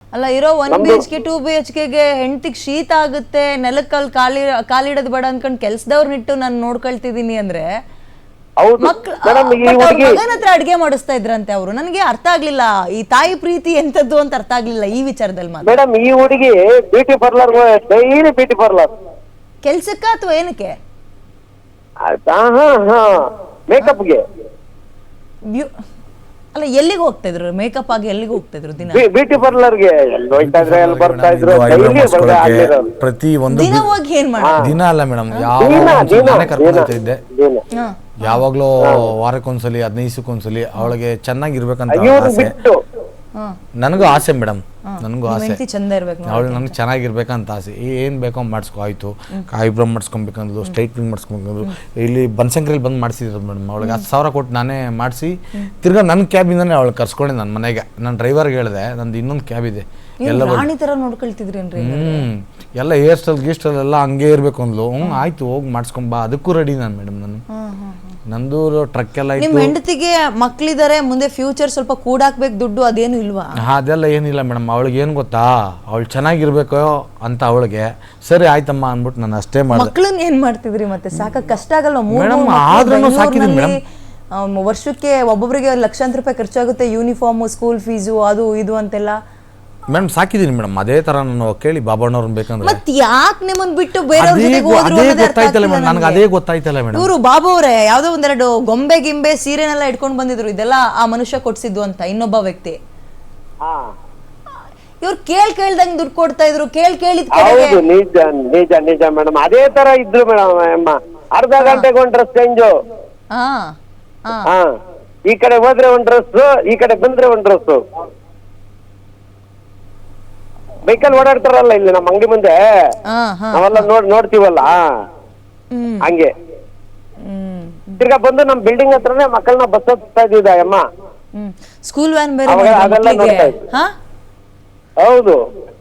ಅಲ್ಲ ಇರೋ 1 BHK 2 BHKಗೆ ಹೆಂಡತಿಗೆ ಶೀತ ಆಗುತ್ತೆ, ನೆಲಕ್ಕಲ್ಲಿ ಕಾಲಿಡೋದು ಬೇಡ ಅನ್ಕೊಂಡು ಕೆಲ್ಸದವ್ರನ್ನಿಟ್ಟು ನಾನು ನೋಡ್ಕೊಳ್ತಿದೀನಿ ಅಂದ್ರೆ ಮಗನ ಹತ್ರ ಅಡ್ಗೆ ಮಾಡಿಸ್ತಾ ಇದ್ರಂತೆ ಅವರು. ನನಗೆ ಅರ್ಥ ಆಗ್ಲಿಲ್ಲ ಈ ತಾಯಿ ಪ್ರೀತಿ ಎಂತದ್ದು ಅಂತ ಅರ್ಥ ಆಗ್ಲಿಲ್ಲ ಈ ವಿಚಾರದಲ್ಲಿ ಮಾತ್ರ. ಮೇಡಮ್ ಈ ಹುಡುಗಿ beauty parlour daily beauty parlour ಕೆಲ್ಸಕ್ಕ ಅಥವಾ ಏನಕ್ಕೆ? ಮೇಕಪ್ಗೆ. ಅಲ್ಲ ಎಲ್ಲಿಗೆ ಹೋಗ್ತಾ ಇದ್ರು ಮೇಕಪ್ ಆಗಿ? ಎಲ್ಲಿಗೆ ಹೋಗ್ತಾ ಇದ್ರು ದಿನ? ಬ್ಯೂಟಿ ಪಾರ್ಲರ್ಗೆ ಬರ್ತಾ ಇದ್ರು. ಪ್ರತಿ ಒಂದು ದಿನ ಹೋಗಿ ಏನ್ ಮಾಡಿ? ದಿನ ಅಲ್ಲ ಮೇಡಮ್, ನಾನೇ ಕರ್ಕೊಂಡು ಹೋಗ್ತಾ ಇದ್ದೆ ಯಾವಾಗ್ಲೂ, ವಾರಕ್ಕೊಂದ್ಸಲಿ 15 ದಿವಸಕ್ಕೊಂದ್ಸಲಿ. ಅವಳಿಗೆ ಚೆನ್ನಾಗಿರ್ಬೇಕಂತ ಆಸೆ, ನನಗೂ ಆಸೆ ಮೇಡಮ್, ನನಗೂ ಆಸೆ ಅವಳು ನನಗೆ ಚೆನ್ನಾಗಿರ್ಬೇಕಂತ ಆಸೆ. ಏನ್ ಬೇಕೋ ಮಾಡಿಸ್ಕೊ, ಆಯ್ತು ಐಬ್ರೋ ಮಾಡಿಸ್ಕೊಬೇಕಂದ್ರು, ಸ್ಟ್ರೈಟ್ನಿಂಗ್ ಮಾಡಿಸ್ಕೊಬೇಕಂದ್ರು. ಇಲ್ಲಿ ಬನಶಂಕರಿಲಿ ಬಂದು ಮಾಡಿಸಿದ್ರು ಮೇಡಮ್. ಅವಳಿಗೆ 10,000 ಕೊಟ್ಟು ನಾನೇ ಮಾಡಿಸಿ ತಿರ್ಗಾ ನನ್ನ ಕ್ಯಾಬಿಂದಾನೆ ಅವಳು ಕರ್ಸ್ಕೊಂಡೆ ನನ್ನ ಮನೆಗೆ. ನನ್ನ ಡ್ರೈವರ್ಗೆ ಹೇಳಿದೆ ನಂದು ಇನ್ನೊಂದು ಕ್ಯಾಬ್ ಇದೆ, ಎಲ್ಲ ಎಲ್ಲ ಹೇರ್ ಸ್ಟೈಲ್ ಗೀಸ್ಟೈಲ್ ಎಲ್ಲ ಹಂಗೆ ಇರ್ಬೇಕು ಅಂದ್ಲು. ಆಯ್ತು ಹೋಗಿ ಮಾಡಿಸ್ಕೊಂಬಾ, ಅದಕ್ಕೂ ರೆಡಿ ನಾನು ಮೇಡಮ್. ನಂದು ಟ್ರಕ್ ಎಲ್ಲ ನಿಮ್ಮ ಹೆಂಡತಿಗೆ ಮಕ್ಳಿದಾರೆ, ಮುಂದೆ ಫ್ಯೂಚರ್ ಸ್ವಲ್ಪ ಕೂಡಾಕ್ಬೇಕು ದುಡ್ಡು, ಅದೇನು ಇಲ್ವಾ? ಅದೆಲ್ಲ ಏನಿಲ್ಲ ಮೇಡಮ್. ಅವಳಿಗೆ ಏನು ಗೊತ್ತಾ, ಅವಳು ಚೆನ್ನಾಗಿರ್ಬೇಕು ಅಂತ ಅವಳಿಗೆ. ಸರಿ ಆಯ್ತಮ್ಮ ಅಂದ್ಬಿಟ್ಟು ನಾನು ಅಷ್ಟೇ ಮಾಡಿ. ಮಕ್ಳನ್ನ ಏನ್ ಮಾಡ್ತಿದ್ರಿ ಮತ್ತೆ? ಸಾಕ ಕಷ್ಟ ಆಗಲ್ಲ ಮೇಡಮ್? ಆದ್ರೂ ಸಾಕಿದೀನಿ ಮೇಡಮ್. ವರ್ಷಕ್ಕೆ ಒಬ್ಬೊಬ್ಬರಿಗೆ ಲಕ್ಷಾಂತರ ರೂಪಾಯಿ ಖರ್ಚಾಗುತ್ತೆ, ಯೂನಿಫಾರ್ಮ್, ಸ್ಕೂಲ್ ಫೀಸು, ಅದು ಇದು ಅಂತೆಲ್ಲ. ಮೇಡಮ್ ಸಾಕಿದೀನಿ ಮೇಡಮ್. ಅದೇ ತರ ನಾನು ಕೇಳಿ ಬಾಬಣ್ಣವ್ರನ್ನ ಬೇಕಂದ್ರೆ ಮತ್ತೆ ಯಾಕೆ ನಿಮ್ಮನ್ನ ಬಿಟ್ಟು ಬೇರೆಯವ್ರ ಜೊತೆಗೆ ಹೋದ್ರು ಗೊತ್ತಾಯ್ತಲ್ಲ ಮೇಡಮ್, ನನಗೆ ಅದೇ ಗೊತ್ತಾಯ್ತಲ್ಲ ಮೇಡಮ್. ಇವರು ಬಾಬು ಅವರೇ ಯಾವ್ದೋ ಒಂದೆರಡು ಗೊಂಬೆ ಗಿಂಬೆ ಸೀರೆನೆಲ್ಲ ಇಟ್ಕೊಂಡು ಬಂದಿದ್ರು, ಇದೆಲ್ಲ ಆ ಮನುಷ್ಯ ಕೊಡ್ಸಿದ್ದು ಅಂತ ಇನ್ನೊಬ್ಬ ವ್ಯಕ್ತಿ. ಇವ್ರು ಕೇಳ್ದಂಗ್ ದುಡ್ಡು ಕೊಡ್ತಾ ಇದ್ರು, ಕೇಳಿದ್ ನಿಜ ನಿಜ ಮೇಡಮ್. ಅದೇ ತರ ಇದ್ರು ಮೇಡಮ್. ಅರ್ಧ ಗಂಟೆಗೆ ಒಂದ್ ಡ್ರೆಸ್ ಚೇಂಜು, ಈ ಕಡೆ ಹೋದ್ರೆ ಒಂದ್ ಡ್ರೆಸ್, ಈ ಕಡೆ ಬಂದ್ರೆ ಒಂದ್ ಡ್ರೆಸ್. ಬೈಕಲ್ಲಿ ಓಡಾಡ್ತಾರಲ್ಲ ಇಲ್ಲಿ ನಮ್ಮ ಅಂಗಡಿ ಮುಂದೆ, ನಾವೆಲ್ಲ ನೋಡ್ತೀವಲ್ಲ ಹಂಗೆ. ತಿರ್ಗಾ ಬಂದು ನಮ್ ಬಿಲ್ಡಿಂಗ್ ಹತ್ರನೇ ಮಕ್ಕಳನ್ನ ಬಸ್ ಹತ್ತಾ ಇದ್ದಿದ್ದ ಅಮ್ಮ. ಸ್ಕೂಲ್ ವ್ಯಾನ್ ಬೇರೆ ಅದೆಲ್ಲ ನೋಡ್ತಾ ಇದ್ವಿ. ಹೌದು,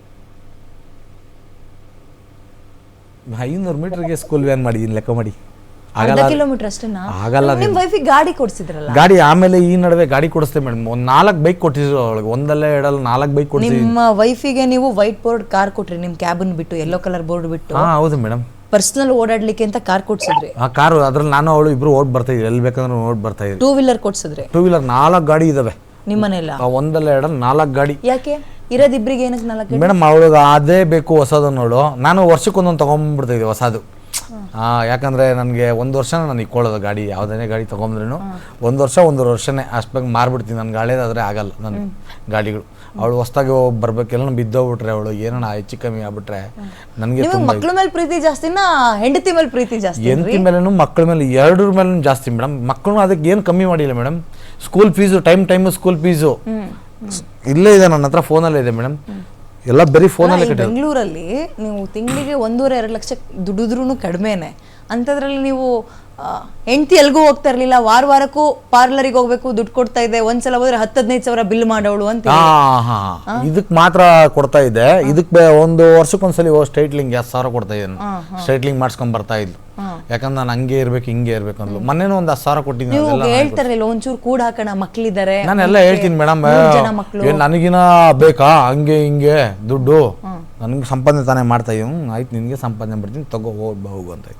500 ಮೀಟರ್ಗೆ ಸ್ಕೂಲ್ ವ್ಯಾನ್ ಮಾಡಿದೀನಿ ಲೆಕ್ಕ ಮಾಡಿ. ಕಿಲೋಮೀಟರ್ ಅಷ್ಟೇನಾ? ಆಗಲ್ಲ. ನಿಮ್ ವೈಫಿಗೆ ಗಾಡಿ ಕೊಡ್ಸಿದ್ರಲ್ಲ? ಗಾಡಿ ಆಮೇಲೆ ಈ ನಡುವೆ ಗಾಡಿ ಕೊಡಿಸ್ತೇವೆ ಮೇಡಮ್. 4 ಬೈಕ್ ಕೊಟ್ಟಿದ್ರು ಅವಳಿಗೆ, ಒಂದಲ್ಲ ಎರಡಲ್ಲ 4 ಬೈಕ್ ಕೊಡ್ತೀವಿ. ನಿಮ್ಮ ವೈಫಿಗೆ ನೀವು ವೈಟ್ ಬೋರ್ಡ್ ಕಾರ್ ಕೊಟ್ರಿ, ನಿಮ್ ಕ್ಯಾಬಿನ್ ಬಿಟ್ಟು ಯೆಲ್ಲೋ ಕಲರ್ ಬೋರ್ಡ್ ಬಿಟ್ಟು. ಹೌದು ಮೇಡಮ್. ಪರ್ಸನಲ್ ಓಡಾಡ್ಲಿಕ್ಕೆ ಅಂತ ಕಾರ್ ಕೊಡ್ಸಿದ್ರಿ? ಆ ಕಾರು ಅದ್ರಲ್ಲಿ ನಾನು ಅವಳು ಇಬ್ರು ಓಡ್ ಬರ್ತಾ ಇದ್ವಿ, ಎಲ್ಲಿ ಬೇಕಂದ್ರೆ ಓಡ್ ಬರ್ತಾ ಇದ್ವಿ. 2 ವೀಲರ್ ಕೊಡ್ಸಿದ್ರಿ? 2 ವೀಲರ್ 4 ಗಾಡಿ ಇದಾವೆ ನಿಮ್ಮನೆಲ್ಲ? ಒಂದಲ್ಲ ಎರಡಲ್ಲ 4 ಗಾಡಿ. ಯಾಕೆ ಇರೋದಿಬ್ರಿಗೆ ಏನಕ್ಕೆ 4 ಗಾಡಿ? ಮೇಡಮ್ ಅವಳಿಗೆ ಅದೇ ಬೇಕು ಹೊಸದು ನೋಡು. ನಾನು ವರ್ಷಕ್ಕೊಂದೊಂದು ತಗೊಂಡ್ಬಿಡ್ತಾ ಇದ್ದೆ ಹೊಸದು. ಯಾಕಂದ್ರೆ ನನಗೆ 1 ವರ್ಷ ನಾನು ಇಕ್ಕೊಳ್ಳೋದು ಗಾಡಿ, ಯಾವುದೇ ಗಾಡಿ ತಗೊಂಡ್ರು 1 ವರ್ಷ 1.5 ವರ್ಷನೇ ಅಷ್ಟು ಬೇಗ ಮಾರ್ಬಿಡ್ತೀನಿ. ನನ್ಗೆ ಹಳೇದಾದ್ರೆ ಆಗಲ್ಲ ನನ್ನ ಗಾಡಿಗಳು. ಅವಳು ಹೊಸದಾಗಿ ಬರ್ಬೇಕೆಲ್ಲ ಬಿದ್ದೋಗ್ಬಿಟ್ರೆ, ಅವಳು ಏನೋ ಹೆಚ್ಚು ಕಮ್ಮಿ ಆಗ್ಬಿಟ್ರೆ ನನಗೆ ಮಕ್ಳ ಮೇಲೆ ಪ್ರೀತಿ ಜಾಸ್ತಿನಾ ಹೆಂಡತಿ ಮೇಲೆ ಪ್ರೀತಿ ಜಾಸ್ತಿ? ಹೆಂಡತಿ ಮೇಲೂ ಮಕ್ಕಳ ಮೇಲೆ ಎರಡರ ಮೇಲೂ ಜಾಸ್ತಿ ಮೇಡಮ್. ಮಕ್ಕಳು ಅದಕ್ಕೆ ಏನು ಕಮ್ಮಿ ಮಾಡಿಲ್ಲ madam. School fees time school fees ಇಲ್ಲೇ ಇದೆ, ನನ್ನ ಹತ್ರ ಫೋನಲ್ಲೇ ಇದೆ ಮೇಡಮ್. ಎಲ್ಲ ಬರೀ ಫೋನಲ್ಲಿ. ಬೆಂಗಳೂರಲ್ಲಿ ನೀವು ತಿಂಗಳಿಗೆ 1.5-2 ಲಕ್ಷ ದುಡಿದ್ರೂ ಕಡಿಮೆನೆ. ಅಂಥದ್ರಲ್ಲಿ ನೀವು ಹೆಂಡತಿ ಎಲ್ಗೂ ಹೋಗ್ತಾ ಇರ್ಲಿಲ್ಲ, ವಾರಕ್ಕೂ ಪಾರ್ಲರಿಗೆ ಹೋಗ್ಬೇಕು, ದುಡ್ಡು ಕೊಡ್ತಾ ಇದೆ, ಒಂದ್ಸಲ ಹೋದ್ರೆ 10-15 ಸಾವಿರ ಬಿಲ್ ಮಾಡೋಳು ಅಂತ. ಇದಕ್ ಮಾತ್ರ ಕೊಡ್ತಾ ಇದ್ದೆ. ಇದಕ್ಕೆ 1 ವರ್ಷಕ್ಕೊಂದ್ಸಲಿ ಸ್ಟ್ರೈಟ್ಲಿಂಗ್ 10,000 ಕೊಡ್ತಾ ಇದ್ದೇನೆ. ಸ್ಟ್ರೈಟ್ಲಿಂಗ್ ಮಾಡ್ಸ್ಕೊಂಡ್ ಬರ್ತಾ ಇದ್ಲು, ಯಾಕಂದ್ರೆ ನಾನು ಹಂಗೆ ಇರ್ಬೇಕು ಹಿಂಗೆ ಇರ್ಬೇಕು ಅಂದ್ಲು. ಮೊನ್ನೆನೂ 10,000 ಕೊಟ್ಟಿದ್ದೀನಿ. ಹೇಳ್ತಾರಲ್ಲ ಒಂಚೂರು ಕೂಡ ಹಾಕೋಣ ಮಕ್ಳಿದ್ದಾರೆ, ನಾನೆಲ್ಲ ಹೇಳ್ತೀನಿ ಮೇಡಮ್. ನನಗಿನ ಬೇಕಾ ಹಂಗೆ ಹಿಂಗೆ ದುಡ್ಡು, ನನ್ಗೆ ಸಂಪಾದನೆ ತಾನೇ ಮಾಡ್ತಾ ಇದ್ದೀವಿ. ಆಯ್ತು ನಿನ್ಗೆ ಸಂಪಾದನೆ ಬರ್ತೀನಿ ತಗೋ ಹೋಗು ಅಂತ.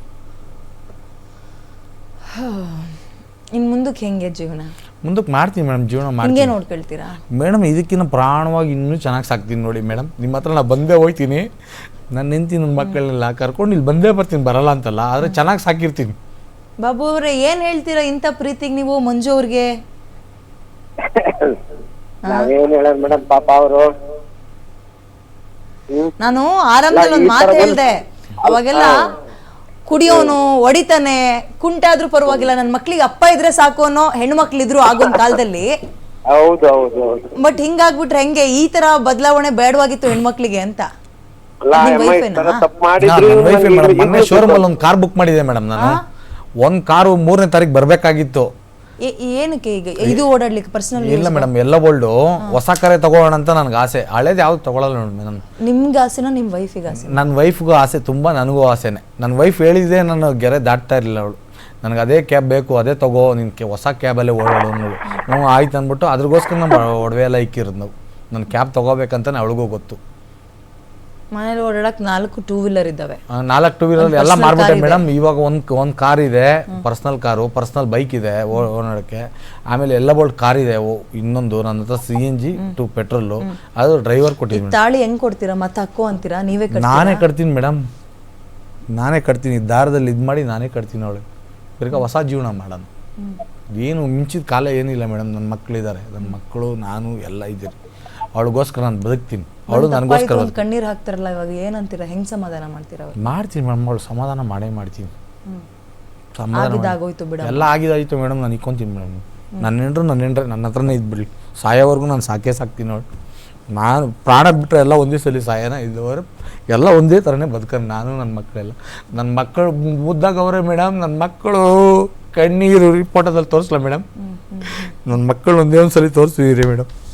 ಇನ್ ಮುಂದಕ್ಕೆ ಹೆಂಗೆ ಜೀವನ? ಮುಂದಕ್ಕೆ ಮಾಡ್ತೀನಿ ಮೇಡಮ್, ಜೀವನ ಮಾಡ್ತೀನಿ. ನೋಡ್ಕೊಳ್ತೀರಾ ಮೇಡಮ್? ಇದಕ್ಕಿಂತ ಪ್ರಾಣವಾಗಿ ಇನ್ನೂ ಚೆನ್ನಾಗಿ ಸಾಕ್ತೀನಿ ನೋಡಿ ಮೇಡಮ್. ನಿಮ್ಮ ಹತ್ರ ನಾ ಬಂದೇ ಹೋಗ್ತೀನಿ, ನಾನು ನಿಂತೀನಿ, ನನ್ನ ಮಕ್ಕಳನ್ನೆಲ್ಲ ಕರ್ಕೊಂಡು ಇಲ್ಲಿ ಬಂದೇ ಬರ್ತೀನಿ, ಬರಲ್ಲ ಅಂತಲ್ಲ, ಆದರೆ ಚೆನ್ನಾಗಿ ಸಾಕಿರ್ತೀನಿ. ಬಾಬು ಅವ್ರೆ ಏನ್ ಹೇಳ್ತೀರಾ ಇಂಥ ಪ್ರೀತಿಗೆ ನೀವು ಮಂಜು ಅವ್ರಿಗೆ? ಮೇಡಮ್ ಪಾಪ ಅವರು, ನಾನು ಆರಂಭದಲ್ಲಿ ಒಂದು ಮಾತು ಹೇಳ್ದೆ, ಅವಾಗೆಲ್ಲ ಕುಡಿಯೋನು ಹೊಡಿತಾನೆ ಕುಂಟಾದ್ರೂ ಪರವಾಗಿಲ್ಲ, ನನ್ನ ಮಕ್ಳಿಗೆ ಅಪ್ಪ ಇದ್ರೆ ಸಾಕು ಅನ್ನೋ ಹೆಣ್ಮಕ್ಳಿದ್ರು ಆಗೊಂದ್ ಕಾಲದಲ್ಲಿ. ಬಟ್ ಹಿಂಗಾಗ್ಬಿಟ್ರೆ ಹೆಂಗೆ? ಈ ತರ ಬದಲಾವಣೆ ಬೇಡವಾಗಿತ್ತು ಹೆಣ್ಮಕ್ಳಿಗೆ ಅಂತ. ಮೊನ್ನೆ ಶೋರೂಮ್ ಅಲ್ಲಿ ಒಂದು ಕಾರ್ ಬುಕ್ ಮಾಡಿದೆ ಮೇಡಮ್. ನಾನು ಒಂದ್ ಕಾರು 3ನೇ ತಾರೀಕು ಬರ್ಬೇಕಾಗಿತ್ತು. ಏನಕ್ಕೆ ಈಗ ಇದು ಓಡಾಡ್ಲಿಕ್ಕೆ? ಪರ್ಸನಲ್ ಇಲ್ಲ ಮೇಡಮ್, ಎಲ್ಲ ಬೋಲ್ಡು ಹೊಸ ಕಾರೇ ತಗೋಣ ಅಂತ ನನ್ಗೆ ಆಸೆ. ಹಳೇದು ಯಾವ್ದು ತಗೊಳಲ್ಲ ನೋಡಿ ಮೇಡಮ್. ನಿಮ್ಗೆ ಆಸೆನಾ ನಿಮ್ಮ ವೈಫಿಗೆ ಆಸೆ? ನನ್ನ ವೈಫ್ಗೂ ಆಸೆ ತುಂಬ, ನನಗೂ ಆಸೆನೆ. ನನ್ನ ವೈಫ್ ಹೇಳಿದೆ, ನಾನು ಗೆರೆ ದಾಟ್ತಾ ಇರಲಿಲ್ಲ ಅವಳು. ನನಗೆ ಅದೇ ಕ್ಯಾಬ್ ಬೇಕು, ಅದೇ ತಗೋ, ನಿನ್ಗೆ ಹೊಸ ಕ್ಯಾಬಲ್ಲೇ ಓಡಾಡು ಅನ್ನೋದು. ಆಯ್ತು ಅಂದ್ಬಿಟ್ಟು ಅದ್ರಗೋಸ್ಕರ ನಮ್ಮ ಒಡವೆ ಎಲ್ಲ ಇಕ್ಕಿರೋದು ನಾವು. ನನ್ನ ಕ್ಯಾಬ್ ತೊಗೋಬೇಕಂತಾನೆ ಅವಳಿಗೂ ಗೊತ್ತು. ಮನೇಲಿ ಓಡಾಡಕ್ 4 ಟೂ ವೀಲರ್ ಇದ್ದಾವೆ. 4 ಟೂ ವೀಲರ್ ಎಲ್ಲ ಮಾರ್ಬಿಟ್ಟೆ ಮೇಡಮ್. ಇವಾಗ ಒಂದು ಕಾರ್ ಇದೆ, ಪರ್ಸ್ನಲ್ ಕಾರು, ಪರ್ಸ್ನಲ್ ಬೈಕ್ ಇದೆ ಓಡಾಡೋಕ್ಕೆ. ಆಮೇಲೆ ಎಲ್ಲ ಬೋಲ್ಟ್ ಕಾರ್ ಇದೆ. ಇನ್ನೊಂದು ನನ್ನ ಹತ್ರ CNG ಟು ಪೆಟ್ರೋಲು, ಅದು ಡ್ರೈವರ್ ಕೊಟ್ಟಿದ್ದೀನಿ. ತಾಳಿ ಹೆಂಗ್ ಕೊಡ್ತೀರಾ? ಮತ್ತೆ ಹಾಕೋ ಅಂತೀರಾ? ನೀವೇ ನಾನೇ ಕಟ್ತೀನಿ ಮೇಡಮ್, ನಾನೇ ಕಟ್ತೀನಿ. ದಾರದಲ್ಲಿ ಇದು ಮಾಡಿ ನಾನೇ ಕಟ್ತೀನಿ ಅವಳಿಗೆ. ತಿರ್ಗಾ ಹೊಸ ಜೀವನ ಮಾಡೋಣ. ಏನು ಮಿಂಚಿದ ಕಾಲ ಏನಿಲ್ಲ ಮೇಡಮ್. ನನ್ನ ಮಕ್ಕಳಿದ್ದಾರೆ, ನನ್ನ ಮಕ್ಕಳು, ನಾನು ಎಲ್ಲ ಇದ್ದೀರಿ. ಅವಳಿಗೋಸ್ಕರ ನಾನು ಬದುಕ್ತೀನಿ, ಅವಳು ನನಗೋಸ್ಕರ. ಕಣ್ಣೀರು ಹಾಕ್ತಾರಲ್ಲ, ಇವಾಗ ಏನಂತೀರಾ? ಹೆಂಗ್ ಸಮಾಧಾನ ಮಾಡ್ತೀರಾ? ಮಾಡ್ತೀನಿ ಮೇಡಮ್, ಅವಳು ಸಮಾಧಾನ ಮಾಡೇ ಮಾಡ್ತೀನಿ. ಆಗಿದ್ದಾಗೋಯ್ತು ಬಿಡ, ಎಲ್ಲ ಆಗಿದಾಯ್ತು ಮೇಡಮ್. ನಾನು ಇಕ್ಕೊಂತೀನಿ ಮೇಡಮ್. ನನ್ನ ಹೆಂಡ್ರೆ ನನ್ನ ಹತ್ರನೇ ಇದ್ಬಿಡ್ಲಿ. ಸಾಯೋವರೆಗೂ ನಾನು ಸಾಕ್ತೀನಿ ಅವಳು. ನಾನು ಪ್ರಾಣ ಬಿಟ್ಟರೆ ಎಲ್ಲ ಒಂದೇ ಸಲ ಸಾಯನ, ಇದ್ದವರು ಎಲ್ಲ ಒಂದೇ ಥರನೇ ಬದುಕರು. ನಾನು ನನ್ನ ಮಕ್ಕಳೆಲ್ಲ, ನನ್ನ ಮಕ್ಕಳು ಮುದ್ದಾಗ ಅವರೇ ಮೇಡಮ್. ನನ್ನ ಮಕ್ಕಳು ಕಣ್ಣೀರು ಫೋಟೋದಲ್ಲಿ ತೋರಿಸ್ಲಾ ಮೇಡಮ್? ನನ್ನ ಮಕ್ಕಳು ಒಂದೇ ಒಂದು ಸಲ ತೋರಿಸಿದ್ದೀರಿ ಮೇಡಮ್.